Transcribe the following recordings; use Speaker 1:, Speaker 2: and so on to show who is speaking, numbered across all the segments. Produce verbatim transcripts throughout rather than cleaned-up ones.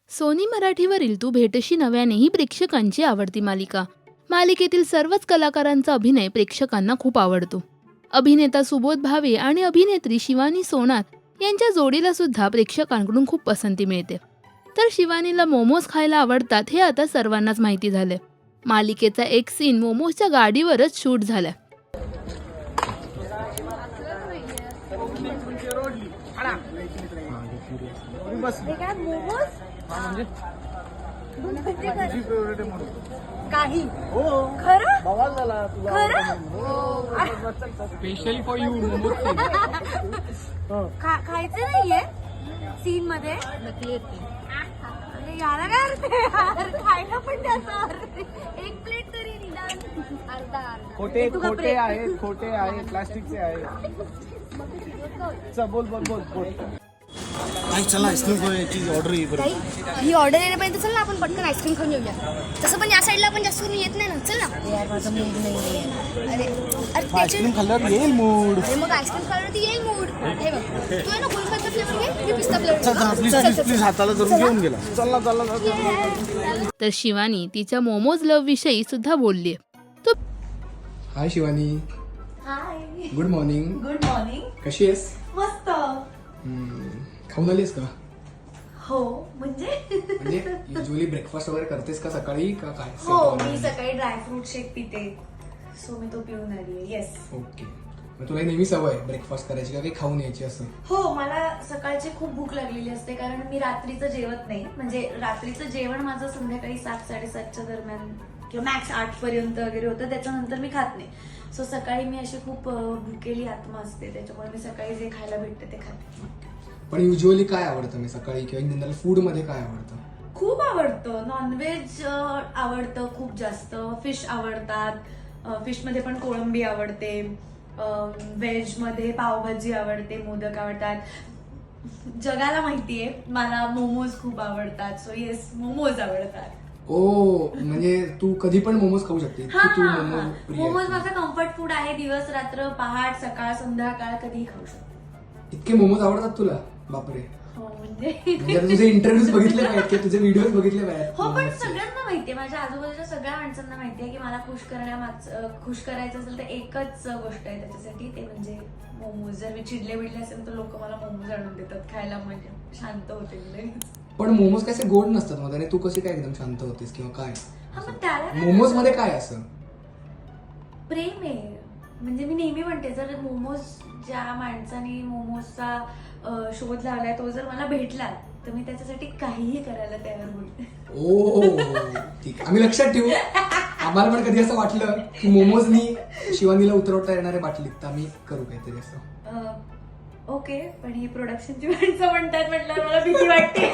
Speaker 1: Sony मराठीवरील तू भेटशी नव्याने ही प्रेक्षकांची आवडती मालिका. मालिकेतील सर्वच कलाकारांचा अभिनय प्रेक्षकांना खूप आवडतो. अभिनेता सुबोध भावे आणि अभिनेत्री शिवानी सोनार यांच्या जोडीला सुद्धा प्रेक्षकांकडून खूप पसंती मिळते. तर शिवानीला मोमोज खायला आवडतात हे आता सर्वांनाच माहिती झालंय. मालिकेचा एक सीन मोमोजच्या गाडीवरच शूट झालाय.
Speaker 2: काही खरं
Speaker 3: स्पेशली फॉर यू मोमोज
Speaker 2: खायचं नाहीये सीन मध्ये. अरे याला काय अर्थ आहे यार, खायला पण त्याचा अर्थ. एक प्लेट तरी निदान अर्धा अर्धा.
Speaker 3: खोटे
Speaker 2: तू का
Speaker 3: खोटे
Speaker 2: break?
Speaker 3: आहेत खोटे आहेत प्लास्टिकचे आहेत. चल बोल बोल बोल बोल.
Speaker 4: आई चला आईस्क्रीम चीज ऑर्डर ही बरं.
Speaker 2: ताई, ही ऑर्डर येण्यापर्यंत चल ना आपण पटकन आईस्क्रीम खाऊन येऊया. तसं पण या साईडला आपण जास्त करून येत नाही ना. चल ना यार, माझा मूड नाही. अरे अरे त्याचे
Speaker 4: आईस्क्रीम खाल्ल्यावर येईल मूड.
Speaker 2: अरे मग आईस्क्रीम खाल्ल्यावर ती येईल मूड. हे बघ, तू आहे ना गुलकंद फ्लेवर घे, मी पिस्ता फ्लेवर
Speaker 4: चल चल प्लीज प्लीज प्लीज हाताला धरून घेऊन गेला. चल ना चल ना.
Speaker 1: तर शिवानी तिच्या मोमोज लव्ह विषयी सुद्धा बोलली. तो
Speaker 4: hi Shivani,
Speaker 2: hi,
Speaker 4: good morning.
Speaker 2: Good morning.
Speaker 4: कशी आहेस?
Speaker 2: मस्त.
Speaker 4: हम्म, खाऊन आलीस का?
Speaker 2: हो म्हणजे
Speaker 4: म्हणजे युजली ब्रेकफास्ट वगैरे करतेस का सकाळी का काय?
Speaker 2: हो, मी सकाळी ड्रायफ्रूट शेक पिते, सो मी तो पिऊन आली. येस.
Speaker 4: ओके. मग तुला नेहमी सवय ब्रेकफास्ट करायची का काही खाऊन यायची असं?
Speaker 2: हो, मला सकाळची खूप भूक लागलेली असते कारण मी रात्रीचं जेवत नाही. म्हणजे रात्रीचं जेवण माझं संध्याकाळी सात साडेसातच्या दरम्यान किंवा मॅक्स आठ पर्यंत वगैरे होतं. त्याच्यानंतर मी खात नाही. सो सकाळी मी अशी खूप अं, भुकेली आत्मा असते, त्याच्यामुळे मी सकाळी जे खायला भेटते ते खाते.
Speaker 4: पण युजली काय आवडतं मी सकाळी किंवा जनरल फूड मध्ये काय आवडतं?
Speaker 2: खूप आवडतं. नॉनव्हेज आवडतं खूप जास्त. फिश आवडतात. फिश मध्ये पण कोळंबी आवडते. व्हेज मध्ये पावभाजी आवडते, मोदक आवडतात. जगाला माहितीये मला मोमोज खूप आवडतात. सो येस, मोमोज आवडतात.
Speaker 4: ओ म्हणजे तू कधी पण मोमोज खाऊ शकते.
Speaker 2: हा
Speaker 4: की तू
Speaker 2: हा
Speaker 4: मोमोज
Speaker 2: हा.
Speaker 4: प्रिय
Speaker 2: मोमोज
Speaker 4: आहेस?
Speaker 2: माझा कम्फर्ट फूड आहे. दिवस रात्र, पहाट, सकाळ, संध्याकाळ कधीही खाऊ शकते.
Speaker 4: इतके मोमोज आवडतात तुला? बापरे.
Speaker 2: हो म्हणजे
Speaker 4: म्हणजे आता तुझे इंटरव्ह्यूज बघितले पाहिजेत किंवा तुझे व्हिडिओज बघितले पाहिजेत
Speaker 2: हो, पण
Speaker 4: मोमोजचे.
Speaker 2: सगळ्यांना माहितीये, माझ्या आजूबाजूच्या सगळ्या माणसांना माहितीये की मला खुश करण्यामाग खुश करायचं असेल तर एकच गोष्ट आहे त्याच्यासाठी, ते म्हणजे मोमोज. जर मी चिडले बिडले असेल तर लोक मला मोमोज आणून देतात खायला, म्हणजे शांत होते मी लगेच.
Speaker 4: पण मोमोज कसे गोड नसतात मध्ये, तू कशी काय एकदम शांत होतेस किंवा काय?
Speaker 2: हा, मग त्याला काय
Speaker 4: मोमोज मध्ये काय असं?
Speaker 2: प्रेम आहे. म्हणजे मी नेहमी म्हणते, जर मोमोज ज्या माणसाने मोमोजचा अं, शोध लावलाय तो जर मला भेटला तर मी त्याच्यासाठी काहीही करायला तयार होईल.
Speaker 4: ओ ठीक आहे, आम्ही लक्षात ठेवू. आम्हाला पण कधी असं वाटलं की मोमोजनी शिवानीला उतरवता येणाऱ्या बाटलीत तर आम्ही करू काहीतरी असं.
Speaker 2: अं, ओके, पण ही प्रोडक्शनची माणसं म्हणतात म्हटलं मला भीती वाटते.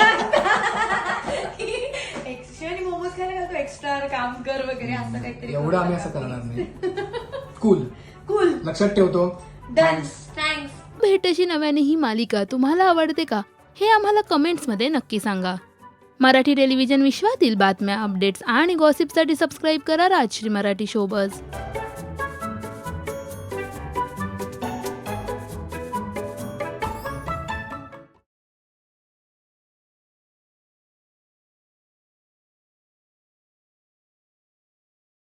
Speaker 2: शिवानी मोमोज खायला घालतो, एक्स्ट्रा काम कर वगैरे असं काहीतरी.
Speaker 4: एवढं आम्ही असं करणार नाही. Cool,
Speaker 2: cool.
Speaker 4: लक्षात ठेवतो.
Speaker 2: डन. थँक्स.
Speaker 1: भेटशी नव्याने ही मालिका तुम्हाला आवडते का हे आम्हाला कमेंट्समध्ये नक्की सांगा. मराठी टेलिव्हिजन विश्वातील बातम्या, अपडेट्स आणि गॉसिपसाठी सबस्क्राईब करा राजश्री मराठी शोबज.